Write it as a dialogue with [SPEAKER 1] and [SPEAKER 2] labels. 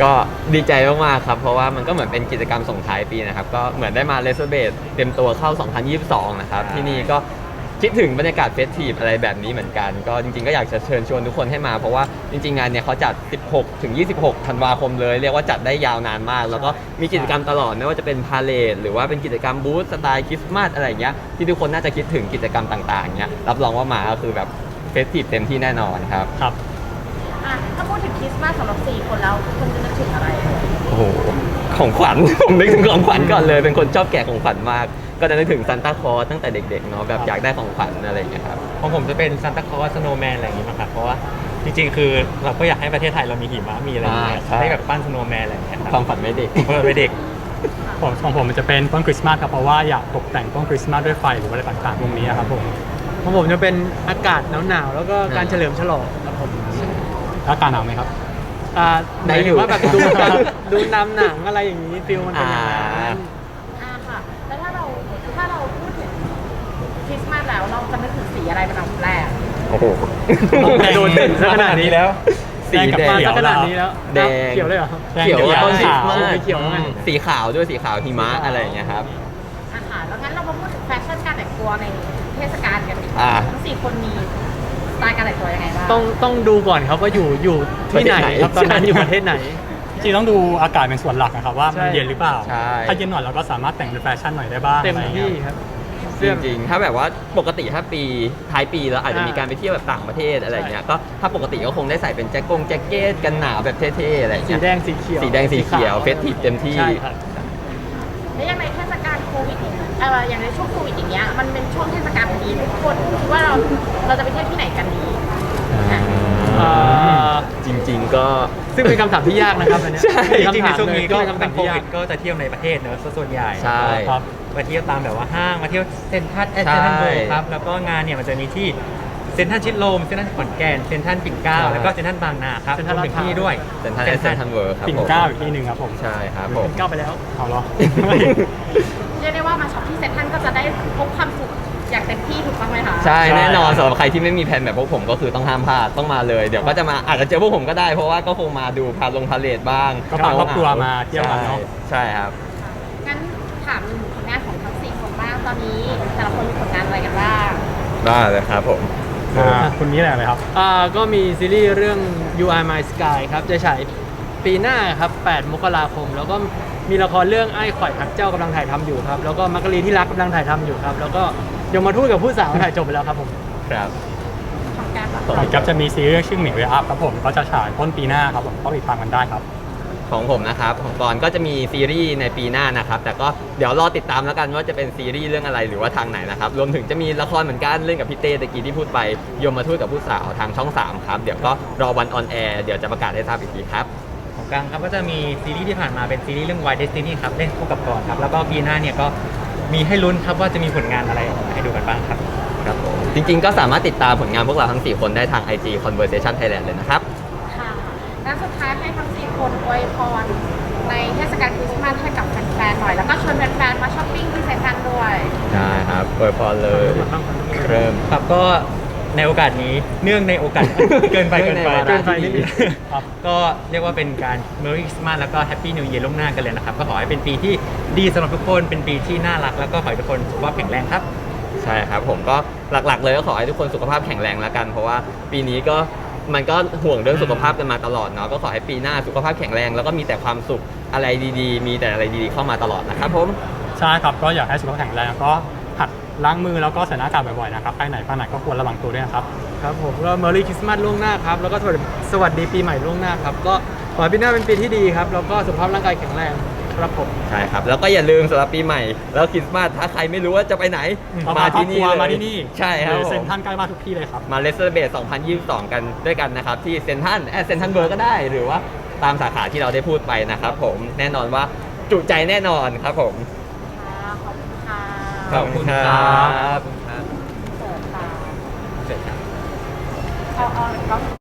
[SPEAKER 1] ก็ดีใจมากๆครับเพราะว่ามันก็เหมือนเป็นกิจกรรมส่งท้ายปีนะครับก็เหมือนได้มาเลเซอร์เบสเต็มตัวเข้า 2022 นะครับที่นี่ก็คิดถึงบรรยากาศเฟสทีฟอะไรแบบนี้เหมือนกันก็จริงๆก็อยากจะเชิญชวนทุกคนให้มาเพราะว่าจริงๆงานเนี่ยเขาจัด 16 ถึง 26 ธันวาคมเลยเรียกว่าจัดได้ยาวนานมากแล้วก็มีกิจกรรมตลอดไม่ว่าจะเป็นพาเลทหรือว่าเป็นกิจกรรมบูธสไตล์คริสต์มาสอะไรอย่างเงี้ยที่ทุกคนน่าจะคิดถึงกิจกรรมต่างๆเงี้ยรับรองว่ามาก็คือแบบเฟสทีฟเต็มที่แน่นอนครับ
[SPEAKER 2] ครับ
[SPEAKER 3] ถ้าพูดถึงคริสต์มาสสำหรับ4คนแล้วคุณจะนึกถึงอะไร
[SPEAKER 1] โอ้โหของขวัญ ผมนึกถึงของขวัญก่อนเลยเป็นคนชอบแกะของขวัญมากก็จะนึกถึงซานต้าคลอสตั้งแต่เด็กๆเนาะแบบอยากได้ของขวัญอะไรอย่างเงี้ยครับ
[SPEAKER 2] ของผมจะเป็นซานตาคลอสสโนว์แมนอะไรอย่างงี้มั้งครับเพราะว่าจริงๆคือเราก็อยากให้ประเทศไทยเรามีหิมะมีอะไรอย่างเงี้ยให้แบบปั้นสโนว์แมนอะไรอย่างเงี้ยครับ
[SPEAKER 1] ความฝันไม่เด็ก
[SPEAKER 2] เพื่อไปเด็ก
[SPEAKER 4] ของผมมันจะเป็นต้นคริสต์มาสครับเพราะว่าอยากตกแต่งต้นคริสต์มาสด้วยไฟหรืออะไรต่างๆพวกนี้ครับผม
[SPEAKER 5] ของผมจะเป็นอากาศหนาวๆแล้วก็การเฉลิมฉลองครับผม
[SPEAKER 4] อากาศหนาวไหมครับ
[SPEAKER 1] ได้อยู่
[SPEAKER 5] หมายถึงว่าแบบดูนำหนังอะไรอย่างนี้ฟิลมันเป็นอย่างนั้น
[SPEAKER 3] ค่ะแล้วถ้าเราพูดถึงคริสต์มาสแล้วเราจะนึกถึงสีอะไรเป็นอันดับแรก
[SPEAKER 1] โอ้โห
[SPEAKER 5] โดนถึงซะขนาดนี้แล้ว
[SPEAKER 1] สีแดง
[SPEAKER 5] มาซะขนาดนี้แล้ว
[SPEAKER 1] แดง
[SPEAKER 5] เขียวเลยเหรอ
[SPEAKER 1] เขียวว่าต้นคริสต์มาส
[SPEAKER 5] เขียวไง
[SPEAKER 1] สีขาวด้วยสีขาวหิมะอะไรอย่างเงี้ยครับ
[SPEAKER 3] ค่ะแล้วงั้นเรามาพูดถึงแฟชั่นการแต่งตัวในเทศกาลกันดีก
[SPEAKER 1] อ่า
[SPEAKER 3] ว่าทั้ง4คนมีสไตล์การแต่งตัวยังไงบ้าง
[SPEAKER 5] ต้องดูก่อนครับว่าอยู่ที่ไหนครับตอนนั้นอยู่ประเทศไหน
[SPEAKER 4] จริงๆต้องดูอากาศเป็นส่วนหลักนะครับว่ามัน
[SPEAKER 5] ใช่
[SPEAKER 4] เย็นหรือเปล่า
[SPEAKER 1] ใช่
[SPEAKER 4] ถ้าเย็นหน่อยเราก็สามารถแต่งเป็นแฟชั่นหน่อยได้บ้าง
[SPEAKER 5] เต็ม
[SPEAKER 4] อะไรอย่าง
[SPEAKER 5] ที่
[SPEAKER 4] เงี้ย
[SPEAKER 5] ครับ
[SPEAKER 1] จริงๆถ้าแบบว่าปกติถ้าปีท้ายปีแล้วอาจจะมีการไปเที่ยวแบบต่างประเทศอะไรเงี้ยก็ถ้าปกติก็คงได้ใส่เป็นแจ็คเก็ตกันหนาวแบบเท่ๆอะไร
[SPEAKER 5] สี
[SPEAKER 1] เงี้ย
[SPEAKER 5] แดงสีเขียว
[SPEAKER 1] สีแดงสีเขียวเฟสทีฟเต็มที่
[SPEAKER 5] ใช่ครับ
[SPEAKER 3] แล้วอย่างในเทศกาลโควิดอย่างในช่วงโควิดอย่างเงี้ยมันเป็นช่วงเทศกาลพอดีทุกคนคิดว่าเราจะไปเที่ยวที่ไหนกันดี
[SPEAKER 1] จริงๆก็
[SPEAKER 5] ซึ่งเป็นคำถามที่ยากนะครับอันเนี้ย
[SPEAKER 1] ใช่
[SPEAKER 2] จริงๆในช่วงนี้ก็
[SPEAKER 5] เป็นคำ
[SPEAKER 2] เป็
[SPEAKER 5] ถาน ม
[SPEAKER 2] โค
[SPEAKER 5] ที่ยา
[SPEAKER 2] วิ
[SPEAKER 5] ก
[SPEAKER 2] ดก็จะเที่ยวในประเทศเนอะซะส่วนใหญ่
[SPEAKER 1] ใช่
[SPEAKER 4] ครับ
[SPEAKER 2] มาเที่ยวตามแบบว่าห้างมาเที่ยวเซ็นทรัลเซ็นทรัลเวิลด์ครับแล้วก็งานเนี่ยมันจะมีที่เซ็นทรัลชิดลมเซ็นทรัลขอนแก่นเซ็นทรัลปิ่นเกล้า
[SPEAKER 1] ใช่
[SPEAKER 2] แล้วก็เซ็นทรัลบางนาครับ
[SPEAKER 5] เซ็นทรัล
[SPEAKER 2] รวมถึงที่ด้วย
[SPEAKER 1] เซ็นทรัลเซ็นทรัลเวิร์ครับ
[SPEAKER 4] ปิ่น
[SPEAKER 1] ผม
[SPEAKER 4] เกล้าอีกที่หนึ่งครับผม
[SPEAKER 1] ใช่ครับผม
[SPEAKER 5] ก้าวไปแล้ว
[SPEAKER 4] เอาเหรอ
[SPEAKER 3] เรียกได้ว่ามาช็อปที่เซ็นทรัลก็จะได้พบความสุขอย่างเต็มที่ถูกต้องไหมคะ
[SPEAKER 1] ใช่แน่นอนสำหรับใครที่ไม่มีแผนแบบพวกผมก็คือต้องห้ามพลาดต้องมาเลยเดี๋ยวก็จะมาอาจจะเจอพวกผมก็ได้เพราะว่าก็คงมาดูพาเลทบ้าง
[SPEAKER 4] ก็พาครอบครัวมาเที่ยวกันเนอะ
[SPEAKER 1] ใช่ครับ
[SPEAKER 3] งั้นถามถึงผลงานของทั้ง4คนบ้างตอนนี้แต่ละคนมีผลงานอะไรกันบ้าง
[SPEAKER 1] ได้เลยครับผม
[SPEAKER 4] คุณนี้อะไรครับ
[SPEAKER 5] ก็มีซีรีส์เรื่อง You Are My Sky ครับจะฉายปีหน้าครับ 8 มกราคม แล้วก็มีละครเรื่องไอ้ข่อยหักเจ้ากำลังถ่ายทำอยู่ครับ แล้วก็มักกะลีที่รักกำลังถ่ายทำอยู่ครับ แล้วก็ยมทูตกับผู้สาวถ่ายจบไปแล้วครับผม
[SPEAKER 1] ครับ
[SPEAKER 3] ของการแบบ
[SPEAKER 4] ผมครับจะมีซีรีส์ชื่อหมิวเวอัพครับผมก็จะฉายต้นปีหน้าครับผมก็ติดตามกันได้ครับ
[SPEAKER 1] ของผมนะครับของกรก็จะมีซีรีส์ในปีหน้านะครับแต่ก็เดี๋ยวรอติดตามแล้วกันว่าจะเป็นซีรีส์เรื่องอะไรหรือว่าทางไหนนะครับรวมถึงจะมีละครเหมือนกันเล่นกับพี่เต้ตะกี้ที่พูดไปยมทูตกับผู้สาวทางช่อง 3 ครับเดี๋ยวก็รอวันออนแอร์เดี๋ยวจะประกาศให้ทราบอีกทีครับ
[SPEAKER 2] ของกลางครับก็จะมีซีรีส์ที่ผ่านมาเป็นซีรีส์เรื่อง Why Destiny ครับเล่นคู่กับกรครับแล้วก็ปีหน้าเนี่ยก็มีให้ลุ้นครับว่าจะมีผลงานอะไรออกมาให้ดูกันบ้างครับ
[SPEAKER 1] ครับผมจริงๆก็สามารถติดตามผลงานพวกเราทั้ง 4 คนได้ทาง IG Conversation Thailand เลยนะครับ
[SPEAKER 3] ค่ะงั้นสุดท้ายให้ทั้ง4คนอวยพรในเทศกาลคริสต์มาสให้กับแฟนๆหน่อย แล้วก็ชวนแฟนๆมาช้อปปิ้งที่เซ็นทรัลด้วย
[SPEAKER 1] ได้ครับอวยพรเลยเริ่ม
[SPEAKER 2] ครับก็ในโอกาสนี้เนื่องในโอกาส เกินไป
[SPEAKER 1] เนื่องในวาระที่ดี
[SPEAKER 2] ครับก็เรียกว่าเป็นการ Merry Christmas แล้วก็ Happy New Year ล่วงหน้ากันเลยนะครับก็ขอให้เป็นปีที่ดีสำหรับทุกคนเป็นปีที่น่ารักแล้วก็ขอให้ทุกคนสุขภาพแข็งแรงครับ
[SPEAKER 1] ใช่ครับผมก็หลักๆเลยก็ขอให้ทุกคนสุขภาพแข็งแรงแล้วกัน เพราะว่าปีนี้ก็มันก็ห่วงเรื่องสุขภาพกันมาตลอดเนาะก็ขอให้ปีหน้าสุขภาพแข็งแรงแล้วก็มีแต่ความสุขอะไรดีๆ มีแต่อะไรดีๆเข้ามาตลอดนะครับผม
[SPEAKER 4] ใช่ครับก็อยากให้สุขภาพแข็งแรงก็หัดล้างมือแล้วก็ใส่หน้ากากบ่อยๆนะครับไปไหนมาไหนก็ควรระวังตัวด้วยนะครับ
[SPEAKER 5] ครับผมก็ Merry Christmas ล่วงหน้าครับ แล้วก็สวัสดีปีใหม่ล่วงหน้าครับ ก็ขอให้ปีหน้าเป็นปีที่ดีครับ แล้วก็สุขภาพร่างกายแข็งแรงครับผม
[SPEAKER 1] ใช่ครับแล้วก็อย่าลืมสำหรับปีใหม่แล้วคริสต์มาสถ้าใครไม่รู้ว่าจะไปไหน
[SPEAKER 4] มาที่นี่
[SPEAKER 1] เลย
[SPEAKER 4] มาที่นี่
[SPEAKER 1] ใช่ครับ
[SPEAKER 4] หรือ
[SPEAKER 1] ผ
[SPEAKER 4] เซ็น
[SPEAKER 1] ม
[SPEAKER 4] ทรัลใกล้บ้านทุกที่เลยครับ
[SPEAKER 1] มาเลสเตอร์เบส 2022 กันด้วยกันนะครับ ที่เซ็นทรัลเซ็นทรัลเวิร์ก็ได้ หรือว่าตามสาขาที่เราได้พูดไปนะครับผมแน่นอนว่าจุใจแน่นอนครับผม
[SPEAKER 3] ค่ะขอบคุณค่ะ
[SPEAKER 1] ขอบคุณครับ
[SPEAKER 3] เสิร์ฟค่ะ
[SPEAKER 2] เสร็จครับ
[SPEAKER 3] เอา